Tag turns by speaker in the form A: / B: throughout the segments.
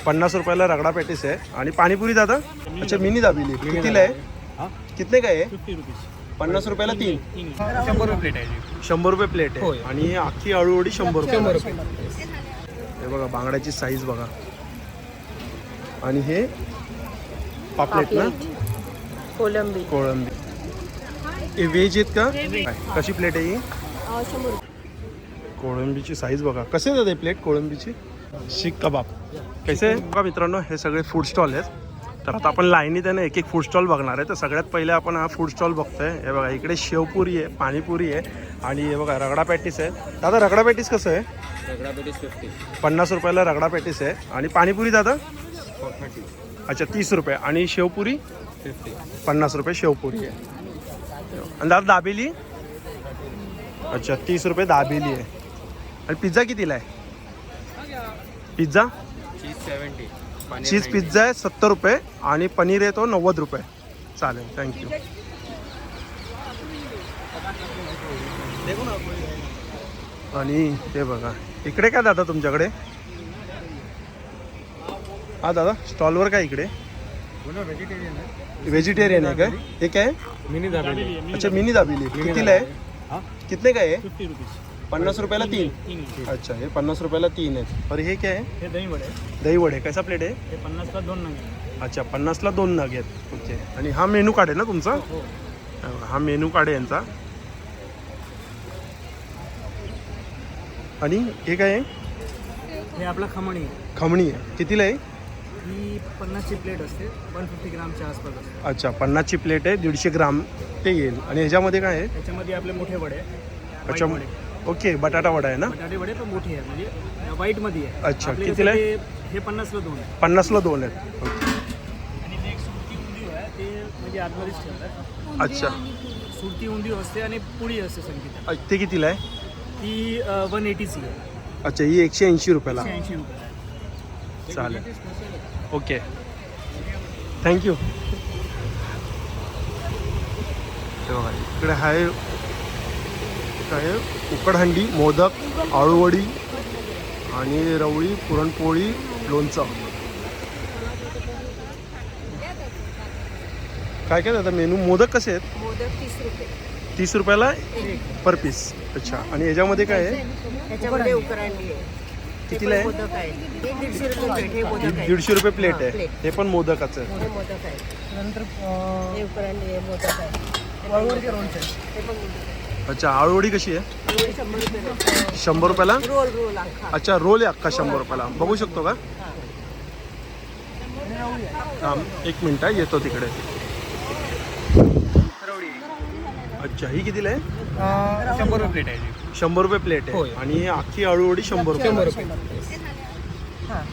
A: 50 रुपयाला रगडा पॅटीस आहे. आणि पाणीपुरी दादा अच्छा मिनी दाबेली कितीला आहे? कितने काय आहे? 50 रुपयाला 3.
B: 100 रुपये प्लेट आहे.
A: 100 रुपये प्लेट आहे. आणि अख्खी आळूवडी 100 रुपये. हे बघा बांगड्याची साईज बघा. आणि हे पापलेट ना
C: कोलंबी.
A: हे व्हेज आहेत का? कशी प्लेट आहे ही?
C: 100.
A: कोळंबीची साईज बघा. कसे आहेत हे प्लेट कोळंबीची? शीख कबाब कसे आहे बघा मित्रांनो. हे सगळे फूड स्टॉल आहेत. तर आता आपण लाईनीत आहे ना एक फूड स्टॉल बघणार आहे. तर सगळ्यात पहिले आपण हा फूड स्टॉल बघतोय. हे बघा इकडे शेवपुरी आहे, पाणीपुरी आहे आणि हे बघा रगडा पॅटीस आहे. दादा रगडा पॅटीस कसं आहे?
B: रगडा पॅटीस
A: 50 रुपयाला रगडा पॅटीस आहे. आणि पाणीपुरी दादा? अच्छा 30 रुपये. आणि शेवपुरी 50 रुपये शेवपुरी आहे. आणि दादा दाबेली? अच्छा 30 रुपये दाबेली आहे. आणि पिझ्झा कितीला आहे? पिझ्झा चीज पिझ्झा आहे 70 रुपये आणि पनीर आहे तो 90 रुपये. चालेल थँक्यू. आणि हे बघा इकडे काय दादा तुमच्याकडे? हा दादा स्टॉलवर काय इकडे? व्हेजिटेरियन आहे काय? हे काय?
B: मिनी दाबेली.
A: अच्छा मिनी दाबेली कितीला आहे? कितने काय आहे?
B: 50 रुपये.
A: 50 रुपयाला 3. अच्छा हे 50 रुपयाला 3 आहेत. और हे काय आहे?
B: हे दही वडे.
A: दही वडे कैसा प्लेट आहे?
B: हे 50 ला 2 नग.
A: अच्छा 50 ला 2 नग आहेत. ओके. आणि हा मेनू कार्ड आहे ना तुमचा? हा मेनू कार्ड आहे यांचा. आणि हे काय आहे?
B: हे आपला खमणी.
A: खमणी आहे. कितीला आहे?
B: ही 50 ची प्लेट असते. 150 ग्रामच्या आसपास असते.
A: अच्छा 50 ची प्लेट आहे. 150 ग्राम ते येईल. आणि ह्याच्यामध्ये काय आहे?
B: त्याच्यामध्ये आपले मोठे वडे.
A: अच्छा ओके बटाटा वडा आहे ना?
B: बटाटे वडे पण मोठे आहे म्हणजे व्हाईट मध्ये आहे.
A: अच्छा
B: आपले
A: कितीला आहे?
B: हे 50 ला 2 आहे.
A: 50 ला 2 आहेत. ओके.
B: आणि ते एक सुरती उंदीव आहे ते म्हणजे आतमध्येच ठेवतात.
A: अच्छा
B: सुरती उंदीव असते आणि पुडी असते संगीता.
A: ते कितीला आहे?
B: ती 180 ची आहे.
A: अच्छा ही 180 रुपयाला.
B: 180 रुपये.
A: चालेल ओके थँक्यू. बघा इकडे आहे काय उकडहंडी, मोदक, आळूवडी आणि रवळी, पुरणपोळी, लोणचं. काय काय दादा मेनू? मोदक कसे आहेत?
C: मोदक 30 रुपये.
A: 30 रुपयाला पर पीस. अच्छा आणि याच्यामध्ये काय आहे?
C: त्याच्यामध्ये उकरांडी आहे.
A: कितीला आहे?
C: मोदक आहे. हे 150 रुपये प्लेट. हे मोदक आहे.
A: 150 रुपये प्लेट
C: हां,
A: आहे.
C: प्लेट.
A: हे पण मोदकाचं आहे.
C: हे मोदक आहे.
B: नंतर
C: हे उकरांडी आहे. मोदक आहे.
B: वळवडीचे लोणचे.
C: हे पण मोदक आहे.
A: अच्छा आळूवडी कशी आहे?
C: हे 100 रुपये.
A: 100 रुपयाला?
C: रोल अख्खा.
A: अच्छा रोल आहे अख्खा 100 रुपयाला. बघू शकतो का? हां एक मिनिट आहे येतो तिकडे. अच्छा ही कितीला आहे?
B: 100 रुपये प्लेट आहे.
A: 100 रुपये प्लेट आहे.
B: होय.
A: आणि ही अख्खी आळूवडी 100 रुपये.
B: 100 रुपये.
C: हां.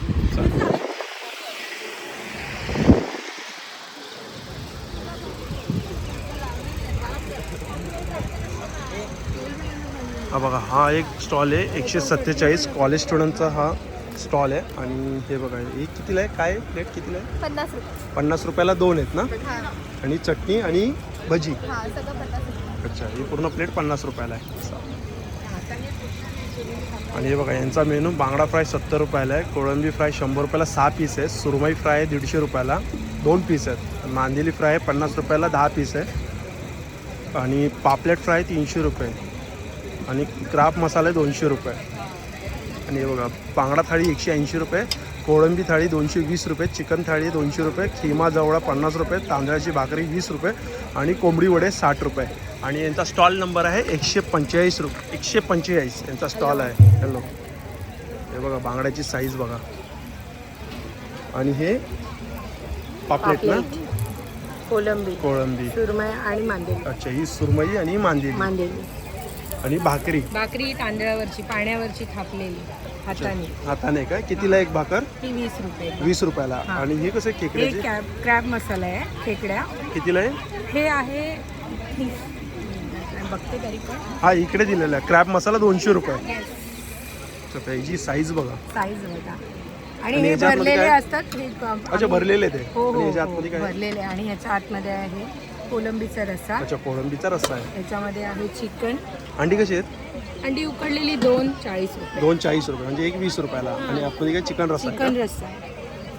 A: हा बघा हा एक स्टॉल आहे 147 कॉलेज स्टुडंटचा हा स्टॉल आहे. आणि हे बघा हे कितीला आहे? काय प्लेट कितीला आहे?
C: 50 रुपये.
A: 50 रुपयाला 2 आहेत ना?
C: हां.
A: आणि चटणी आणि भजी.
C: हां सगळं 50 रुपये.
A: अच्छा ही पूर्ण प्लेट 50 रुपयाला आहे. आणि हे बघा यांचा मेनू बांगडा फ्राय 70 रुपयाला आहे. कोळंबी फ्राय 100 रुपयाला 6 पीस आहे. सुरमई फ्राय आहे 150 रुपयाला 2 पीस आहेत. मांदेली फ्राय 50 रुपयाला 10 पीस आहे. आणि पापलेट फ्राय 300 रुपये. आणि क्राब मसाला 200 रुपये. आणि हे बघा बांगडा थाळी 180 रुपये. कोळंबी थाळी 220 रुपये. चिकन थाळी 200 रुपये. खिमा जवळा 50 रुपये. तांदळाची भाकरी 20 रुपये. आणि कोंबडी वडे 60 रुपये. आणि यांचा स्टॉल नंबर आहे 145 रुपये. 145 यांचा स्टॉल आहे. हॅलो हे बघा बांगड्याची साईज बघा. आणि हे पापलेट ना?
C: कोलंबी,
A: कोळंबी,
C: सुरमई आणि मांदेली.
A: अच्छा ही सुरमई आणि मांदेली. आणि भाकरी
C: तांदळावरची पाण्यावरची थापलेली हाताने.
A: हाताने काय? कितीला एक भाकर?
C: ती 20 रुपये.
A: 20 रुपयाला. आणि हे कसं खेकड्याचे?
C: क्रॅब मसाला आहे खेकड्या.
A: कितीला आहे?
C: हे आहे बघते तरी पण.
A: हा इकडे दिलेला आहे क्रॅब मसाला 200 रुपये. त्याची साईज बघा.
C: साईज बघा. आणि
A: आणि
C: हे
A: याच्या आतमध्ये
C: भरलेले
A: काय?
C: असतात. हे
A: अच्छा भरलेले ते.
C: हो
A: आणि
C: हो
A: याच्या आतमध्ये काय?
C: भरलेले. आणि ह्याच्या आतमध्ये आहे कोलंबीचा रस्सा.
A: अच्छा कोळंबीचा रस्सा आहे.
C: याच्यामध्ये आहे चिकन.
A: अंडी कशी आहेत?
C: अंडी उकडलेली 2 40 रुपये.
A: 2 40 रुपये म्हणजे एक 20 रुपयाला. आणि आतमध्ये काय चिकन रस्सा आहे
C: चिकन
A: का?
C: रस्सा आहे.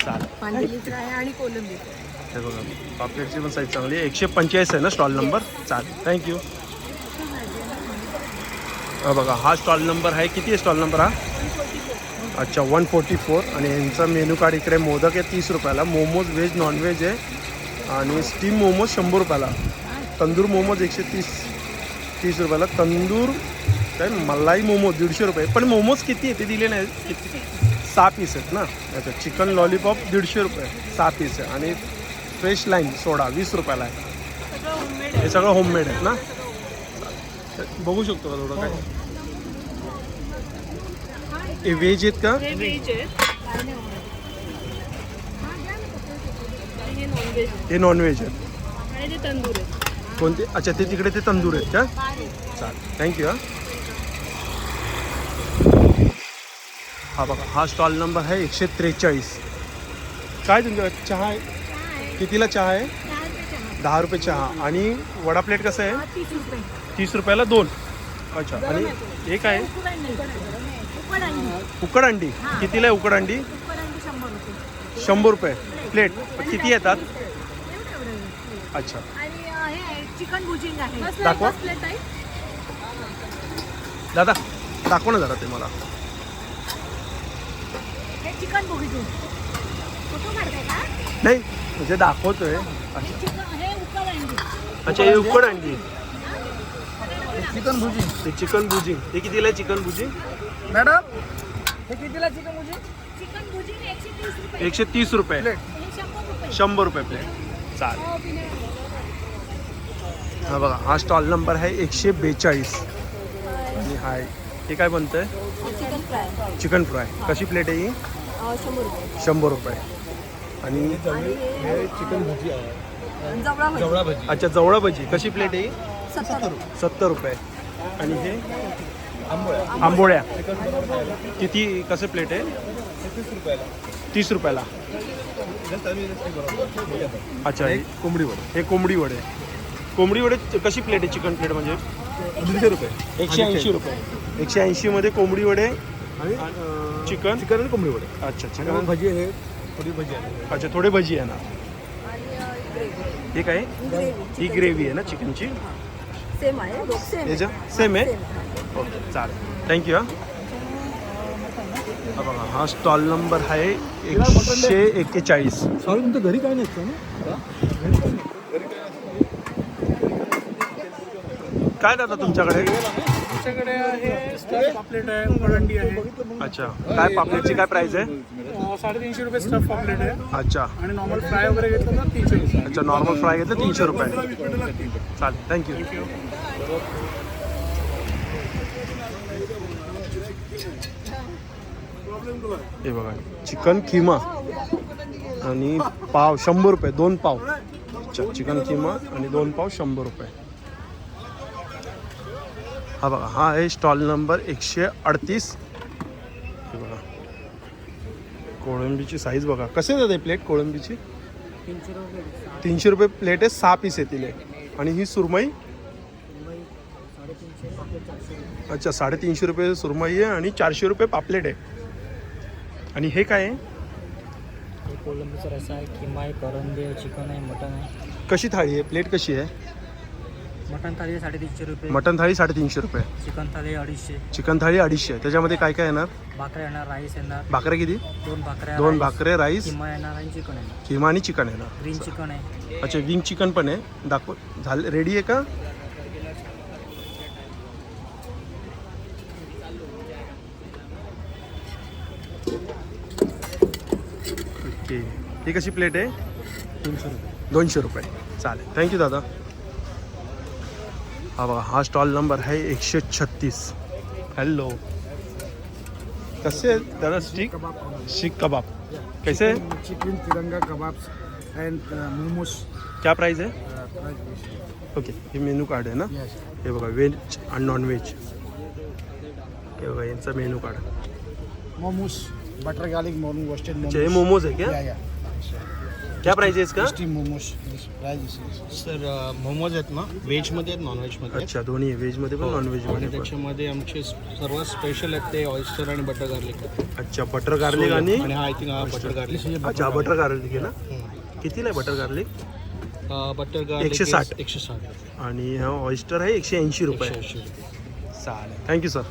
A: चालेल.
C: मांदेली फ्राय आणि कोलंबी फ्राय.
A: हे बघा पापलेटची पण साईज चांगली आहे. 145 आहे ना स्टॉल नंबर. चालेल, थँक्यू. बघा हा स्टॉल नंबर आहे. किती आहे स्टॉल नंबर हा? अच्छा 144. आणि यांचा मेनू कार्ड इकडे. मोदक आहे 30 रुपयाला. मोमोज व्हेज नॉनव्हेज आहे आणि स्टीम मोमोज 100 रुपयाला. तंदूर मोमोज 130 रुपयाला. तंदूर काय मलाई मोमोज 150 रुपये. पण मोमोज किती आहे ते दिले नाही. किती 6 पीस आहेत ना. अच्छा चिकन लॉलीपॉप 150 रुपये 6 पीस आहे. आणि फ्रेश लाईन सोडा 20 रुपयाला आहे. हे सगळं होममेड आहेत ना. बघू शकतो का थोडं काय हे व्हेज आहेत का?
B: हे व्हेज आहेत आणि हे नॉनव्हेज आहे
A: हे नॉनव्हेज आहेत.
B: आणि ते तंदूर आहे.
A: कोणते? अच्छा ते तिकडे ते तंदूर आहेत का? चालेल, थँक्यू. हा बघा हा स्टॉल नंबर आहे 143. काय तुमच्या चहा आहे? कितीला चहा आहे? 10 रुपये चहा. आणि वडा प्लेट कसं आहे?
C: 30 रुपये.
A: 30 रुपयाला 2. अच्छा. आणि एक आहे उकड अंडी. कितीला आहे उकड अंडी? 100 रुपये प्लेट. किती येतात? अच्छा
C: आणि हे चिकन भुजिंग आहे.
A: दाखवा दादा, दाखवा ना जरा ते मला.
C: हे चिकन भुजिंग फोटो काढताय का?
A: नाही म्हणजे दाखवतोय. अच्छा
C: हे उकड अंडी.
A: अच्छा हे उकड अंडी.
D: चिकन भुजी
A: हे चिकन भुजिंग. हे कितीला आहे चिकन भुजिंग?
D: मॅडम हे कितीला चिकन भुजी?
C: चिकन भुजिंग 130 रुपये.
A: 130 रुपये.
D: प्लेट.
C: हे 100 रुपये.
A: 100 रुपये प्लेट. चालेल. हा बघा हा स्टॉल नंबर आहे 142. आणि हाय हे काय बनतंय?
C: Chicken fry
A: chicken fry. कशी प्लेट आहे ही?
C: 100 रुपये.
A: 100 रुपये. आणि
D: हे चिकन भुजी आहे.
C: जवळा भजी
D: जवळा भजी
A: अच्छा जवळा भजी कशी प्लेट आहे ही?
C: 70 रुपये.
A: 70 रुपये. आणि हे
D: आंबोळ्या
A: आंबोळ्या
D: चिकन बरोबर
A: किती कसं प्लेट आहे?
D: 30 रुपयाला.
A: 30 रुपयाला.
D: जस्ट आम्ही बरोबर.
A: अच्छा हे
D: कोंबडी वडे
A: हे कोंबडी वडे. कोंबडी वडे कशी प्लेट आहे? चिकन प्लेट म्हणजे
D: 150 रुपये.
A: 180 रुपये. 180 मध्ये कोंबडी वडे
D: आणि
A: चिकन.
D: चिकन आणि कोंबडी वडे.
A: अच्छा
D: आणि
A: चिकन.
D: भजी आहे थोडी भजी आहे.
A: अच्छा थोडे भजी आहे ना. हे काय? ही ग्रेव्ही आहे ना चिकनची.
C: सेम आहे. सेम
A: याच्या सेम आहे. ओके चालेल, थँक्यू. हा बघा हा स्टॉल नंबर आहे 141.
D: सॉरी तुमच्या घरी काय नसतं ना?
A: काय दादा तुमच्याकडे?
B: आमच्याकडे आहे स्टफ पापलेट आहे, उकड आहे.
A: अच्छा काय पापलेटची काय प्राइस आहे?
B: 350 रुपये स्टफ पापलेट आहे.
A: अच्छा
B: आणि नॉर्मल फ्राय वगैरे घेतलं तर 300 रुपये.
A: अच्छा नॉर्मल फ्राय घेतलं 300 रुपये. चालेल, थँक्यू. हे बघा चिकन किमा आणि पाव 100 रुपये. 2 पाव. अच्छा चिकन किमा आणि 2 पाव 100 रुपये. हा बघा हा आहे स्टॉल नंबर 138. हे बघा कोळंबीची साईज बघा. कसे जाते प्लेट कोळंबीची? 300 रुपये प्लेट आहे. 6 पीस येतील. आणि ही सुरमई अच्छा 350 रुपये सुरमई आहे आणि 400 रुपये पापलेट आहे. आणि हे काय आहे?
E: कोलंबीचा रस्सा आहे, किमा आहे, करंदे आहे, चिकन आहे, मटन आहे.
A: कशी थाळी आहे? प्लेट कशी आहे?
E: मटन थाळी आहे 350 रुपये,
A: मटन थाळी 350 रुपये.
E: चिकन थाळी 250,
A: चिकन थाळी 250. त्याच्यामध्ये काय काय येणार?
E: भाकऱ्या येणार, राईस येणार,
A: भाकऱ्या किती?
E: 2 भाकऱ्या,
A: 2 भाकरे, राईस,
E: किमा येणार आणि चिकन येणार,
A: किमा आणि चिकन येणार.
E: ग्रीन चिकन आहे.
A: अच्छा विंग चिकन पण आहे. दाखव झालं रेडी आहे का? ओके ही कशी प्लेट आहे?
D: 300 रुपये.
A: 200 रुपये. चालेल, थँक्यू दादा. हा बघा हा स्टॉल नंबर आहे 136. हॅलो कसे आहेत दादा? स्टिक शीख कबाब कैसे है?
D: चिकन तिरंगा कबाब एंड मोमोज.
A: क्या प्राइस है? ओके हे मेनू कार्ड आहे ना. हे बघा व्हेज आणि नॉन व्हेज. हे बघा यांचा menu card.
D: Momos butter garlic momo roasted
A: अच्छा हे मोमोज आहे क्या? क्या प्राइस है इसका?
D: Tasty momos price sir momos आहेत ना व्हेजमध्ये आहेत नॉनव्हेजमध्ये
A: अच्छा दोन्ही आहे, व्हेजमध्ये पण नॉन
D: आणि
A: व्हेजमध्ये पण.
D: त्याच्यामध्ये आमचे सर्वात स्पेशल आहेत ते ऑयस्टर आणि बटर गार्लिक
A: अच्छा बटर गार्लिक आणि
D: आणि आय थिंक हा बटर गार्लिक
A: अच्छा बटर गार्लिक आहे ना. कितीला आहे बटर गार्लिक?
D: Butter garlic
A: 160.
D: 160
A: आणि हा ऑयस्टर आहे 180 रुपये. चालेल थँक्यू सर.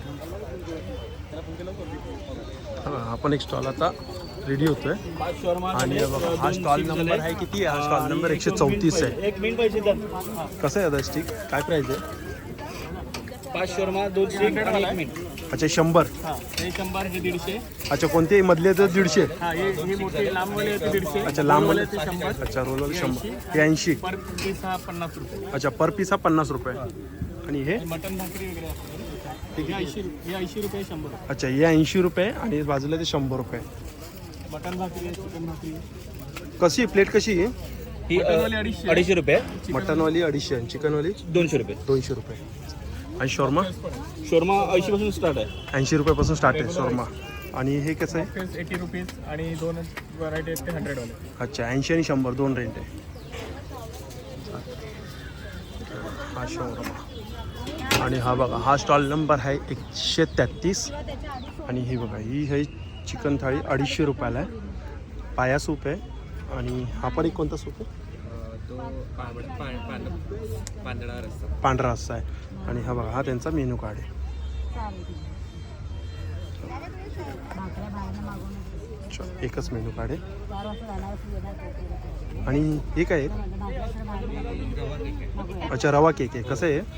A: आपण एक स्टॉल आता रेडी होतोय आणि बघा हा स्टॉल नंबर आहे किती आहे? हा स्टॉल नंबर 134 आहे.
B: एक मिनिट पाहिजे तर
A: कसं आहे दादा स्टिक? काय प्राइस आहे?
B: 5 शॉर्मा 2 स्टिक आणि 1 मिनिट.
A: अच्छा 100.
B: हां हे 100 हे 150.
A: अच्छा कोणते मधले तर 150.
B: हां हे मोठे लांबवाले होते 150.
A: अच्छा लांबवाले
B: ते 100.
A: अच्छा रोलर 100 हे 80.
B: पर पीस हा 50 रुपये.
A: अच्छा पर पीस हा 50 रुपये. आणि हे
B: मटन भाकरी वगैरे असते हे 80 रुपये 100 रुपये.
A: अच्छा हे 80 रुपये आणि बाजूला ते 100 रुपये.
B: मटन भाकरी चिकन भाकरी
A: कशी प्लेट कशी आहे?
B: मटनवाली 250.
E: 250 रुपये.
A: मटनवाली 250 आणि चिकनवाली
E: 200 रुपये.
A: 200 रुपये. आणि शॉर्मा
B: शॉर्मा 80 पासून स्टार्ट आहे.
A: 80 रुपयापासून स्टार्ट आहे शॉर्मा. आणि हे कसं आहे?
B: 80 रुपीज आणि 2 व्हरायटी आहेत ते 100 वाले.
A: अच्छा 80 आणि 100 2 रेंट आहे. हा शॉर्मा. आणि हा बघा हा स्टॉल नंबर आहे 133. आणि हे बघा ही आहे चिकन थाळी 250 रुपयाला आहे. पाया सूप आहे. आणि हा पण एक कोणता सूप आहे? पांढरा रस्सा आहे. आणि हा बघा हा त्यांचा मेनू कार्ड आहे. अच्छा एकच मेनू कार्ड आहे. आणि हे काय आहे? अच्छा रवा केक आहे. कसं आहे?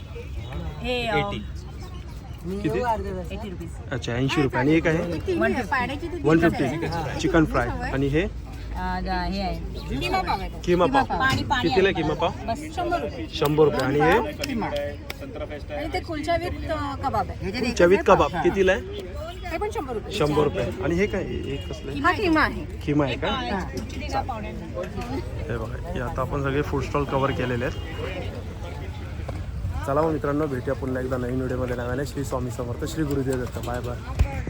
A: किती?
C: 80 रुपीज.
A: अच्छा 80 रुपये. आणि एक आहे
C: पाण्याची
A: 150 चिकन फ्राय. आणि हे
C: हे आहे किमा पाव आहे तो.
A: किमा पाव.
C: पाणी
A: कितीला आहे किमा पाव?
C: बस 100 रुपये.
A: 100 रुपये. आणि हे
C: आणि ते कुलचा विथ कबाब आहे.
A: चवीत कबाब कितीला आहे?
C: हे पण 100 रुपये.
A: 100 रुपये. आणि हे काय हे कसलं आहे?
C: हा किमा आहे.
A: किमा आहे का? हे बघा हे आता आपण सगळे फूड स्टॉल कव्हर केलेले आहेत. चला मग मित्रांनो भेटूया पुन्हा एकदा नवीन व्हिडिओमध्ये. नव्याने श्री स्वामी समर्थ श्री गुरुदेव दत्त. Bye bye.